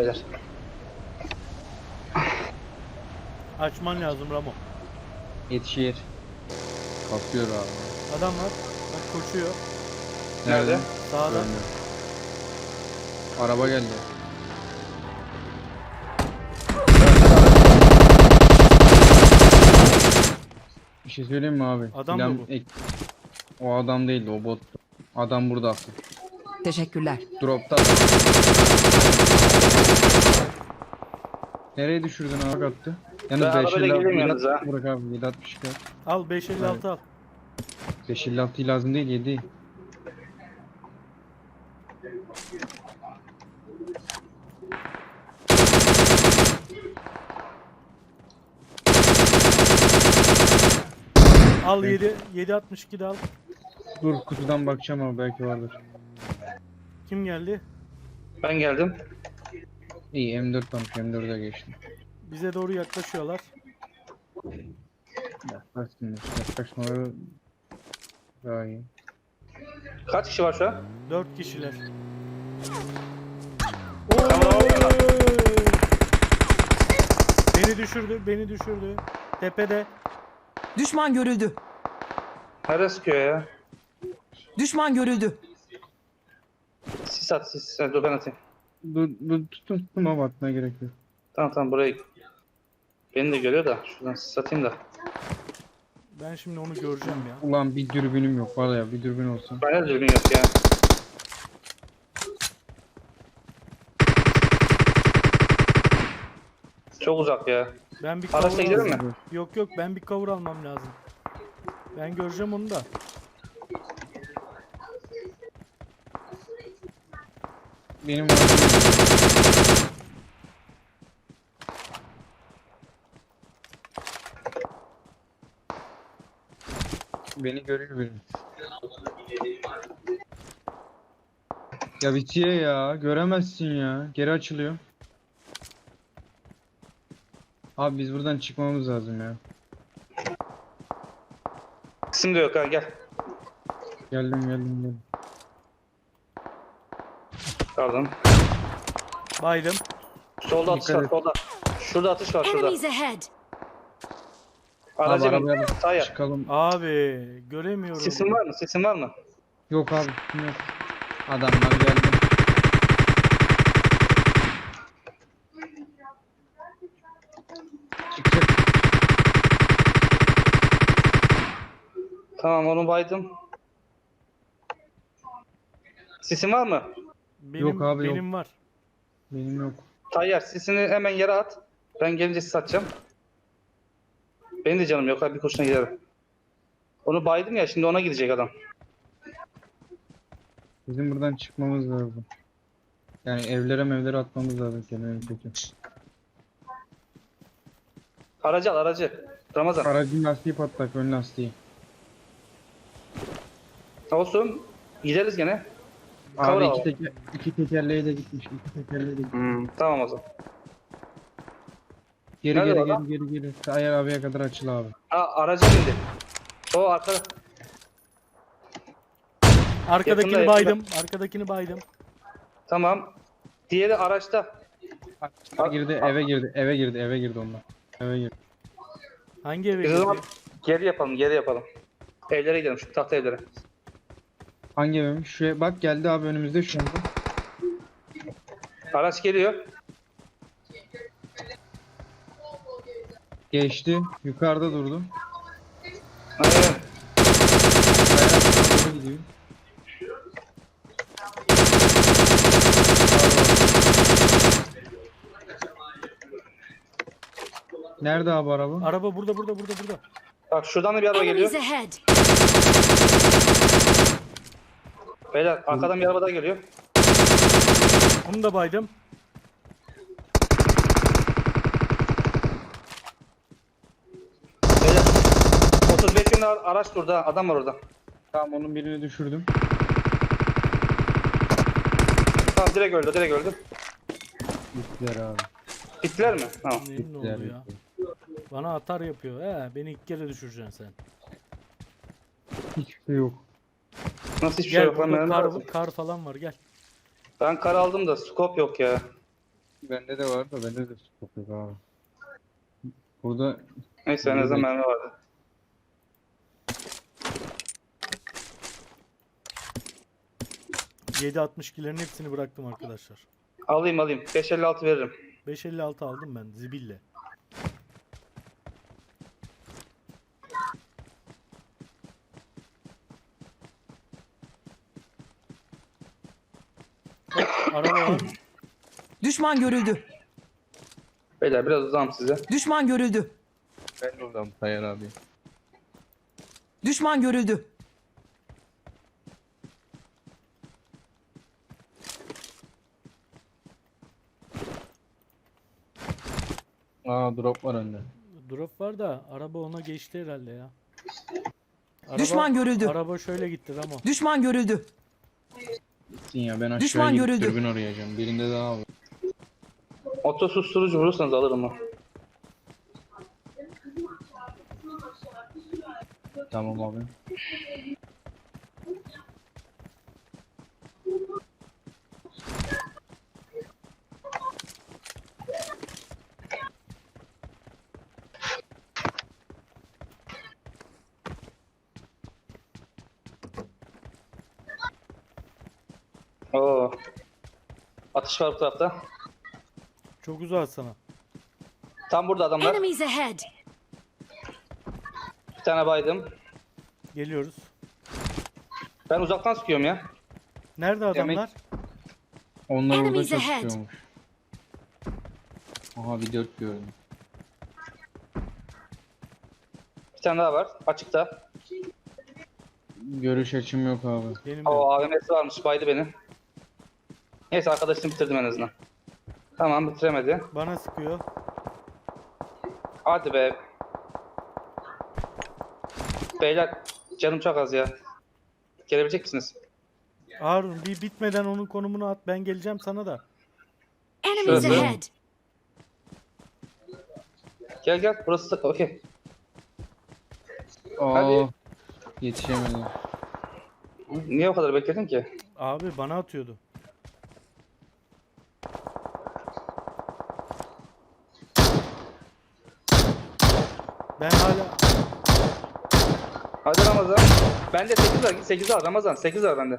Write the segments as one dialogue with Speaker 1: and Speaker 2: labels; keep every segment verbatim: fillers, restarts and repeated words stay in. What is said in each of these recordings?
Speaker 1: beyler.
Speaker 2: Açman lazım Ramo.
Speaker 3: Yetişir. Kapıyor abi.
Speaker 2: Adam var. Bak koşuyor.
Speaker 1: Nerede?
Speaker 2: Sağda.
Speaker 3: Görmüyorum. Araba geldi. Bir şey söyleyeyim mi abi?
Speaker 2: Adam
Speaker 3: Plan
Speaker 2: mı bu?
Speaker 3: ek- O adam değildi, o bot. Adam burada aklı.
Speaker 4: Teşekkürler.
Speaker 3: Dropta. Nereye düşürdün abi attı?
Speaker 1: Ben
Speaker 3: Yalnız
Speaker 1: arabayla geleyim yalnız ha.
Speaker 3: Bırak abi yedi altmış iki.
Speaker 2: Al beş elli altı al.
Speaker 3: beş elli altı lazım değil yedi.
Speaker 2: Al yedi. yedi altmış iki de al.
Speaker 3: Dur kutudan bakacağım ama belki vardır.
Speaker 2: Kim geldi?
Speaker 1: Ben geldim.
Speaker 3: İyi M dört varmış, M dörde geçtim.
Speaker 2: Bize doğru yaklaşıyorlar.
Speaker 3: Yaklaşsınlar. Yaklaşmaları daha iyi.
Speaker 1: Kaç kişi var şu an?
Speaker 2: Dört kişiler.
Speaker 1: Tamam, tamam.
Speaker 2: Beni düşürdü, beni düşürdü. Tepede.
Speaker 4: Düşman görüldü.
Speaker 1: Nerede sıkıyor ya?
Speaker 4: Düşman görüldü.
Speaker 1: Sis at sis. Sen dur ben atayım.
Speaker 3: Dur, dur tutun tutun ama atmaya gerek yok.
Speaker 1: Tamam tamam burayı. Beni de görüyor da. Şuradan sis atayım da.
Speaker 2: Ben şimdi onu göreceğim ya.
Speaker 3: Ulan bir dürbünüm yok var ya, bir dürbün olsa.
Speaker 1: Bana dürbün yok ya. Çok uzak ya.
Speaker 2: Ben bir
Speaker 1: Araçla
Speaker 2: cover
Speaker 1: gidelim
Speaker 2: almam.
Speaker 1: mi?
Speaker 2: Yok yok ben bir cover almam lazım. Ben göreceğim onu da.
Speaker 3: Benim var. Beni görüyor benim. Ya bitiyor ya. Göremezsin ya. Geri açılıyor. Abi biz buradan çıkmamız lazım ya.
Speaker 1: İsim de yok ha gel.
Speaker 3: Geldim geldim geldim.
Speaker 1: Pardon.
Speaker 2: Baydım.
Speaker 1: Solda atış
Speaker 3: Dikkat
Speaker 1: var
Speaker 3: et.
Speaker 1: solda. Şurada atış var şurada.
Speaker 5: Enemies ahead!
Speaker 1: Aracı
Speaker 3: Abi
Speaker 1: bin.
Speaker 3: arabaya
Speaker 1: Sağ yap.
Speaker 3: çıkalım.
Speaker 2: Abi göremiyorum.
Speaker 1: Sesin var mı? Sesin var mı?
Speaker 3: Yok abi yok. Adamlar geldi. Çıkacak.
Speaker 1: Tamam onu baydım. Sesin var mı?
Speaker 2: Benim,
Speaker 3: Yok abi, yok.
Speaker 2: benim var.
Speaker 3: Benim yok.
Speaker 1: Tayyar sesini hemen yere at. Ben gelince sis atacağım. Benim de canım yok abi bir kurşuna giderim. Onu baydım ya şimdi ona gidecek adam.
Speaker 3: Bizim buradan çıkmamız lazım. Yani evlere mevlere atmamız lazım kendini kötü.
Speaker 1: Aracı al aracı. Ramazan.
Speaker 3: Aracın lastiği patlak, ön lastiği.
Speaker 1: Olsun. Gideriz gene.
Speaker 3: Abi
Speaker 1: Kavra
Speaker 3: iki,
Speaker 1: var.
Speaker 3: teker, iki tekerleğe de gitmiş, iki tekerleğe de gitmiş.
Speaker 1: Hmm, tamam o zaman.
Speaker 3: Geri
Speaker 1: Nerede
Speaker 3: geri
Speaker 1: o adam?
Speaker 3: geri geri geri. Tayyar abiye kadar açıl abi.
Speaker 1: Aa aracı bindi. O arkada.
Speaker 2: Arkadakini
Speaker 1: Yakında,
Speaker 2: baydım. Arkadakini baydım.
Speaker 1: Tamam. Diğeri araçta.
Speaker 3: Eve girdi, eve girdi, eve girdi, eve girdi onlar. Eve girdi.
Speaker 2: Hangi eve
Speaker 1: Biz o zaman
Speaker 2: girdi?
Speaker 1: geri yapalım geri yapalım. Evlere gidelim şu tahta evlere.
Speaker 3: Hangi evmiş? Şuraya bak geldi abi önümüzde şu anda.
Speaker 1: Araç geliyor.
Speaker 3: Geçti, yukarıda durdu.
Speaker 1: Aynen.
Speaker 3: Bayağı doğru gidiyor. Nerede abi araba?
Speaker 2: Araba burada burada burada burada.
Speaker 1: Bak şuradan da bir araba geliyor.
Speaker 5: Enemies ahead!
Speaker 1: Beyler arkadan bir araba daha geliyor.
Speaker 2: Onu da baydım.
Speaker 1: Beyler otuz beş yönlü araç durdu ha. Adam var orada.
Speaker 3: Tamam onun birini düşürdüm.
Speaker 1: Tamam direkt öldü direkt öldü.
Speaker 3: Gittiler abi.
Speaker 1: Bittiler mi? Tamam.
Speaker 2: Neyin ne
Speaker 3: Gittiler.
Speaker 2: oldu ya? Bana atar yapıyor. He, beni iki kere düşüreceksin sen.
Speaker 3: Hiçbir şey yok.
Speaker 1: Nasıl hiçbir şey
Speaker 2: Gel
Speaker 1: yok lan
Speaker 2: burada
Speaker 1: benim
Speaker 2: kar,
Speaker 1: lazım.
Speaker 2: kar falan var gel.
Speaker 1: Ben kar aldım da scope yok ya.
Speaker 3: Bende de var da bende de scope yok abi. Burada
Speaker 1: Neyse en azından mermi vardı.
Speaker 2: yedi altmış ikilerin hepsini bıraktım arkadaşlar.
Speaker 1: Alayım alayım. beş elli altı veririm.
Speaker 2: beş elli altı aldım ben zibille. Hop, araba var.
Speaker 4: Düşman görüldü.
Speaker 1: Beyler biraz uzağım size.
Speaker 4: Düşman görüldü.
Speaker 3: ben de oradan Tayyar abi.
Speaker 4: Düşman görüldü.
Speaker 3: Aa drop var önde.
Speaker 2: Drop var da araba ona geçti herhalde ya. Araba,
Speaker 4: Düşman görüldü.
Speaker 2: Araba şöyle gitti Ramo.
Speaker 4: Düşman görüldü.
Speaker 3: Gitsin ya ben aşağıya
Speaker 4: Düşman
Speaker 3: gidip
Speaker 4: görüldü.
Speaker 3: dürbün arayacağım. Birinde daha var.
Speaker 1: Oto susturucu vurursanız alırım o.
Speaker 3: Tamam abi.
Speaker 1: Oo. Atış var bu tarafta.
Speaker 2: Çok uzak sana.
Speaker 1: Tam burada adamlar.
Speaker 5: Enemies ahead!
Speaker 1: Bir tane baydım.
Speaker 2: Geliyoruz.
Speaker 1: Ben uzaktan sıkıyorum ya.
Speaker 2: Nerede adamlar?
Speaker 3: Onlar orada
Speaker 5: Enemies ahead.
Speaker 3: çatışıyormuş. Aha bir dört gördüm.
Speaker 1: Bir tane daha var. Açıkta.
Speaker 3: Görüş açım yok abi.
Speaker 2: Benim de.
Speaker 1: O A V M'si varmış. Baydı beni. Neyse arkadaşını bitirdim en azından. Tamam bitiremedi.
Speaker 2: Bana sıkıyor.
Speaker 1: Hadi be. Beyler canım çok az ya. Gelebilecek misiniz?
Speaker 2: Harun bir bitmeden onun konumunu at. Ben geleceğim sana da.
Speaker 5: Enemies
Speaker 1: Şurası.
Speaker 5: ahead!
Speaker 1: Gel gel burası okey.
Speaker 3: Aa,
Speaker 1: Hadi.
Speaker 3: yetişemedim.
Speaker 1: Niye o kadar bekledin ki?
Speaker 2: Abi bana atıyordu. Ben hala
Speaker 1: Hadi Ramazan. Bende sekiz var. sekiz var Ramazan. sekiz var bende.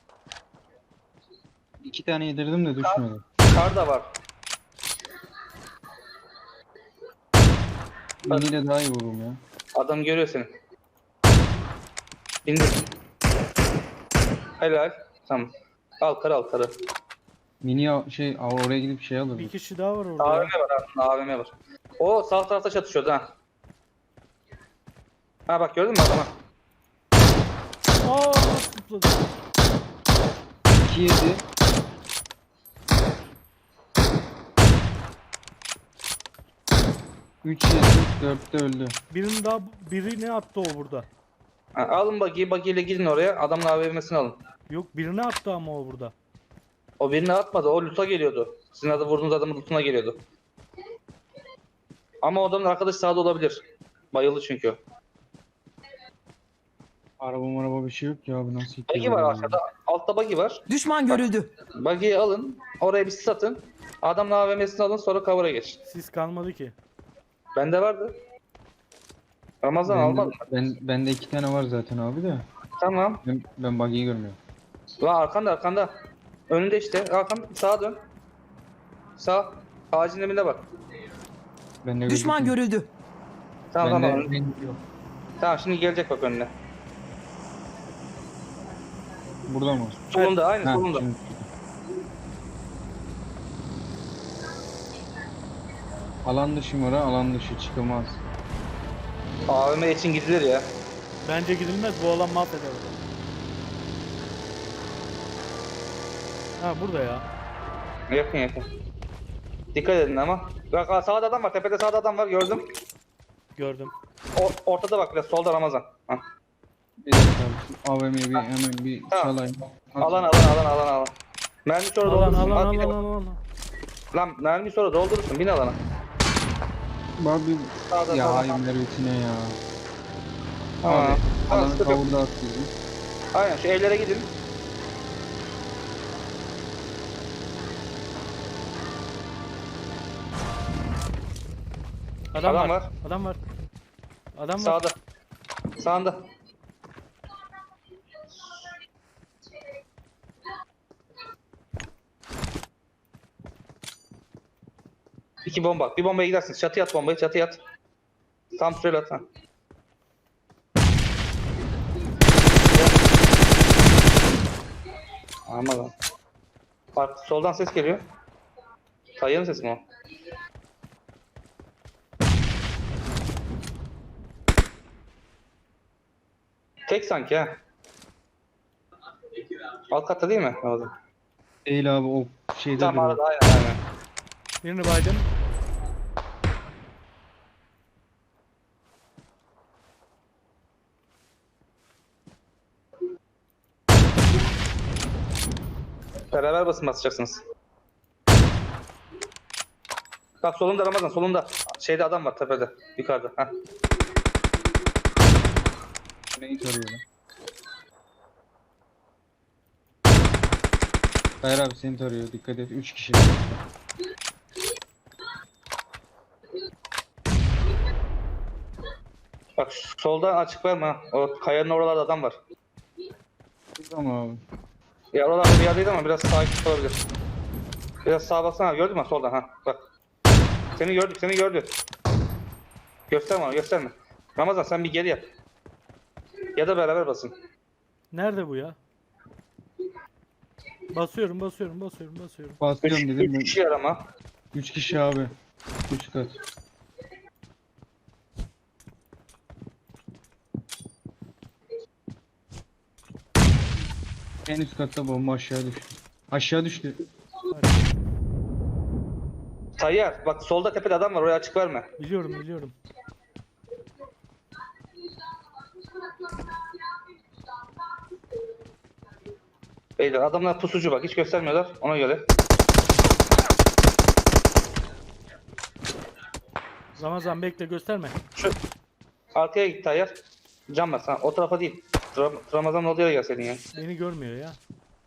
Speaker 3: İki tane yedirdim de düşmedi.
Speaker 1: Kar da var.
Speaker 3: Miniyle daha iyi vururum ya.
Speaker 1: Adam görüyor seni. İndir. Helal. Tamam. Al karı al karı.
Speaker 3: Mini al- şey al- oraya gidip şey alırım.
Speaker 2: bir kişi daha var orada.
Speaker 1: A V
Speaker 2: ya.
Speaker 1: M var aslında A V M var. O sağ tarafta çatışıyordu ha. Ha bak gördün mü adamı?
Speaker 2: Aa nasıl zıpladı?
Speaker 3: iki yedi. üç yedi. dörtte öldü.
Speaker 2: Birinin daha birini attı o burada.
Speaker 1: Ha, alın buggy'i buggy'yle gidin oraya. Adamın A V M'sini alın.
Speaker 2: Yok birini attı ama o burada.
Speaker 1: O birini atmadı. O loot'a geliyordu. Sizin adı vurduğunuz adamın loot'una geliyordu. Ama o adamın arkadaşı sağda olabilir. Bayıldı çünkü.
Speaker 3: Araba maraba bir şey yok ya abi nasıl
Speaker 1: Buggy
Speaker 3: itiyor
Speaker 1: var
Speaker 3: ya?
Speaker 1: arkada. Altta buggy var.
Speaker 4: Düşman görüldü.
Speaker 1: Buggy'yi alın. Oraya bir sis atın. Adamın A V M'sini alın sonra cover'a geç.
Speaker 2: Sis kalmadı ki.
Speaker 1: Bende vardı. Ramazan
Speaker 3: Bende-
Speaker 1: almadın mı?
Speaker 3: Ben, bende iki tane var zaten abi de.
Speaker 1: Tamam.
Speaker 3: Ben, ben buggy'yi görmüyorum.
Speaker 1: Lan arkanda arkanda. Önünde işte. Arkan sağa dön. Sağ. Ağacın dibinde bak.
Speaker 3: Bende
Speaker 4: Düşman
Speaker 3: gözükmüyor.
Speaker 4: görüldü.
Speaker 1: Tamam
Speaker 3: Bende-
Speaker 1: tamam.
Speaker 3: ben- yok.
Speaker 1: Tamam şimdi gelecek bak önüne.
Speaker 3: Burada mı?
Speaker 1: Solunda aynı
Speaker 3: Ha,
Speaker 1: solunda.
Speaker 3: şimdi- Alan dışı mı? Alan dışı çıkılmaz.
Speaker 1: A V M için gidilir ya.
Speaker 2: Bence gidilmez bu alan mahveder orada. Ha burada ya.
Speaker 1: Yakın yakın. Dikkat edin ama. Bak sağda adam var. Tepede sağda adam var gördüm.
Speaker 2: Gördüm.
Speaker 1: O, ortada bak biraz solda Ramazan. Ha.
Speaker 3: Bir dakika abi. A V M'yi bir hemen bir
Speaker 1: Tamam.
Speaker 3: çalayım.
Speaker 1: Alan alan alan alan alan. Mermi sonra
Speaker 2: Alan
Speaker 1: doldurursun.
Speaker 2: alan
Speaker 1: Al, bir de-
Speaker 2: alan alan.
Speaker 1: Lan mermi sonra doldurursun. Bin alana.
Speaker 3: Abi
Speaker 1: Sağda
Speaker 3: ya
Speaker 1: sağda.
Speaker 3: hayır mervetine ya.
Speaker 1: Tamam.
Speaker 3: Abi
Speaker 1: Tamam,
Speaker 3: alanı
Speaker 1: sıkıntı yok.
Speaker 3: kavurda attıydı.
Speaker 1: Aynen şu evlere gidin.
Speaker 2: Adam,
Speaker 1: Adam
Speaker 2: var.
Speaker 1: var.
Speaker 2: Adam var. Adam var.
Speaker 1: Sağda. Sağında. İki bomba. Bir bombaya gidersin. Çatıya at bombayı. Çatıya at. Tam süreli at. Ha. Aman lan. Bak soldan ses geliyor. Tayyarın sesi mi o? Tek sanki ha. Alt katta değil mi? Orada.
Speaker 3: Değil abi, o şeyde
Speaker 1: Tam
Speaker 3: duruyor.
Speaker 1: arada aynen aynen.
Speaker 2: Birini baydım.
Speaker 1: Beraber basın basacaksınız. Bak solunda Ramazan, solunda. Şeyde adam var tepede, yukarıda. Heh.
Speaker 3: Neyi tarıyor lan? Hayır abi, seni tarıyor, dikkat et, üç kişi.
Speaker 1: Bak solda açık verme ha. O kayanın oralarda adam var.
Speaker 3: Tamam abi.
Speaker 1: Ya oralarda bir yerdeydi ama biraz sağa gitmiş olabilir. Biraz sağa baksana, gördün mü soldan ha? Bak. Seni gördük, seni gördü. Gösterme onu, gösterme. Ramazan sen bir geri yap. Ya da beraber basın.
Speaker 2: Nerede bu ya? Basıyorum, basıyorum, basıyorum, basıyorum.
Speaker 1: Üç,
Speaker 3: Basıyorum dedim
Speaker 1: üç
Speaker 3: ben.
Speaker 1: kişi arama.
Speaker 3: Üç kişi abi. Üç kat. En üst katta bomba aşağı düştü. Aşağı düştü.
Speaker 1: Tayyar, bak solda tepede adam var, oraya açık verme.
Speaker 2: Biliyorum, biliyorum.
Speaker 1: Beyler adamlar pusucu bak, hiç göstermiyorlar ona göre.
Speaker 2: Ramazan bekle, gösterme.
Speaker 1: Şu arkaya git Tayyar. Can bas ha, o tarafa değil. Ram Ramazan olduğu yere gel senin ya.
Speaker 2: Beni görmüyor ya.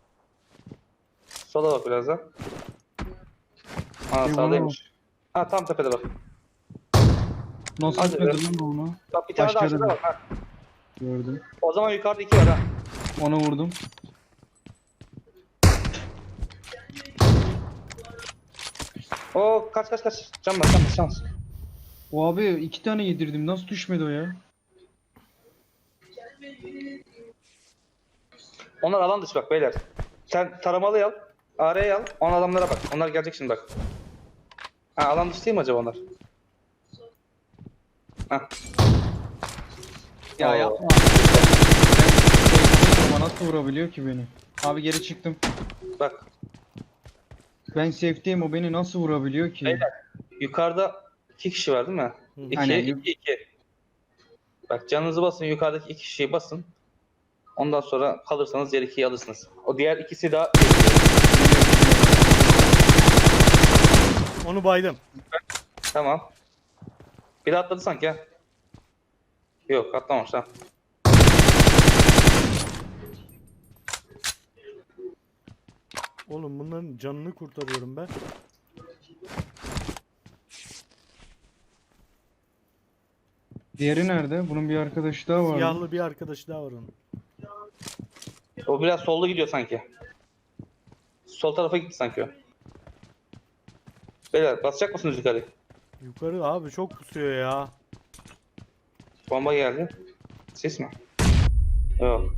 Speaker 1: Sola bak biraz da. Ha
Speaker 3: Bir
Speaker 1: sağdaymış. Ha tam tepede bak.
Speaker 3: Nasıl
Speaker 1: Hadi
Speaker 3: gitmedi
Speaker 1: be.
Speaker 3: lan onu?
Speaker 1: Bak bir tane daha
Speaker 3: Aşağıda
Speaker 1: aşağıda
Speaker 3: mı?
Speaker 1: bak ha.
Speaker 3: Gördüm.
Speaker 1: O zaman yukarıda iki var ha.
Speaker 3: Ona vurdum.
Speaker 1: O kaç kaç kaç. Can bas can bas can bas.
Speaker 3: O abi iki tane yedirdim. Nasıl düşmedi o ya?
Speaker 1: Onlar alan dışı bak beyler. Sen taramalı al. Araya al. On adamlara bak. Onlar gelecek şimdi bak. Ha alan dışı değil mi acaba onlar? Ha.
Speaker 3: Ya
Speaker 1: Oo.
Speaker 3: yapma. Ama nasıl vurabiliyor ki beni? Abi geri çıktım.
Speaker 1: Bak
Speaker 3: Ben safe'deyim, o beni nasıl vurabiliyor ki?
Speaker 1: beyler. Yukarıda iki kişi var değil mi?
Speaker 2: Hı.
Speaker 1: İki,
Speaker 3: Aynen.
Speaker 1: iki, iki. Bak canınızı basın. Yukarıdaki iki kişiyi basın. Ondan sonra kalırsanız diğer ikiyi alırsınız. O diğer ikisi daha...
Speaker 2: Onu baydım.
Speaker 1: Tamam. Biri atladı sanki ha. Yok atlamamış ha.
Speaker 2: Oğlum bunların canını kurtarıyorum ben.
Speaker 3: Diğeri nerede? Bunun bir arkadaşı daha var.
Speaker 2: Siyahlı bir arkadaşı daha var onun.
Speaker 1: O biraz solda gidiyor sanki. Sol tarafa gitti sanki o. Beyler basacak mısınız yukarı?
Speaker 2: Yukarı abi çok pusuyor ya.
Speaker 1: Bomba geldi. Ses mi? Yok.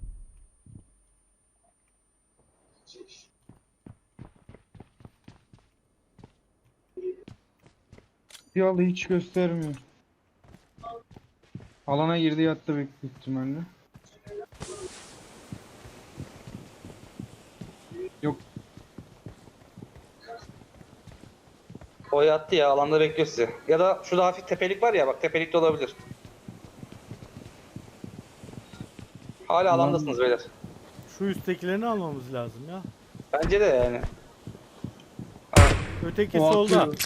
Speaker 3: Siyahlı hiç göstermiyor. Alana girdi, yattı büyük ihtimalle. Yok.
Speaker 1: O yattı ya alanda bekliyor sizi. Ya da şurada hafif tepelik var ya bak tepelik de olabilir. Hala
Speaker 3: Alan-
Speaker 1: alandasınız beyler.
Speaker 2: Şu üsttekilerini almamız lazım ya.
Speaker 1: Bence de yani.
Speaker 2: Öteki
Speaker 3: O
Speaker 2: solda.
Speaker 3: atıyor.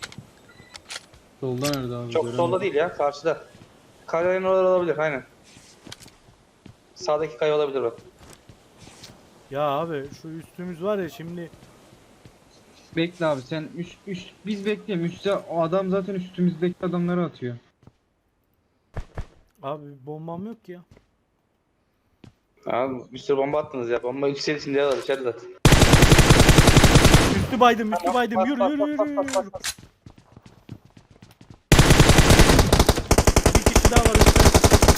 Speaker 3: Solda nerede abi?
Speaker 1: Çok
Speaker 3: Göremedim.
Speaker 1: solda değil ya karşıda. Kayanın oraları olabilir aynen. Sağdaki kaya olabilir bak.
Speaker 2: Ya abi şu üstümüz var ya şimdi
Speaker 3: Bekle abi sen üst, üst biz bekleyelim. Üstte o adam zaten üstümüzdeki adamları atıyor.
Speaker 2: Abi bombam yok ki ya.
Speaker 1: Abi bir sürü bomba attınız ya. Bomba yükselişin diye var içeride zaten.
Speaker 2: Üstü baydım, üstü baydım.
Speaker 1: Bas,
Speaker 2: Yürü
Speaker 1: bas,
Speaker 2: yürü
Speaker 1: bas,
Speaker 2: yürü.
Speaker 1: bas, bas,
Speaker 2: yürü.
Speaker 1: bas, bas.
Speaker 2: Bir kişi daha var üstte.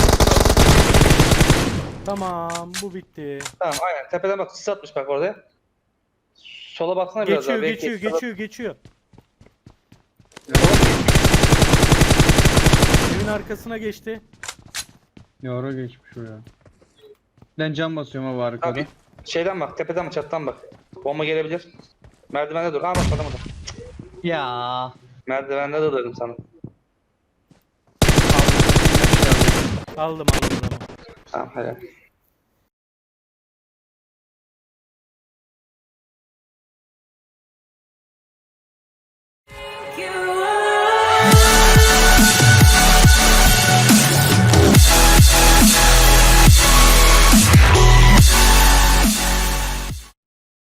Speaker 2: Tamam, bu bitti.
Speaker 1: Tamam aynen. Tepeden bak sis atmış bak orada. Sola baksana biraz
Speaker 2: Geçiyor,
Speaker 1: daha. belki
Speaker 2: geçiyor,
Speaker 1: sola-
Speaker 2: geçiyor, geçiyor. Evin arkasına geçti.
Speaker 3: Yara geçmiş o ya. Ben cam basıyorum abi arkada.
Speaker 1: Abi şeyden bak, tepeden mi çattan bak. Bomba gelebilir. Merdivende dur. Aa bak adam orada.
Speaker 3: Ya.
Speaker 1: Merdivende dur dedim sana.
Speaker 2: Aldım, aldım adamı.
Speaker 1: Tamam helal.
Speaker 5: You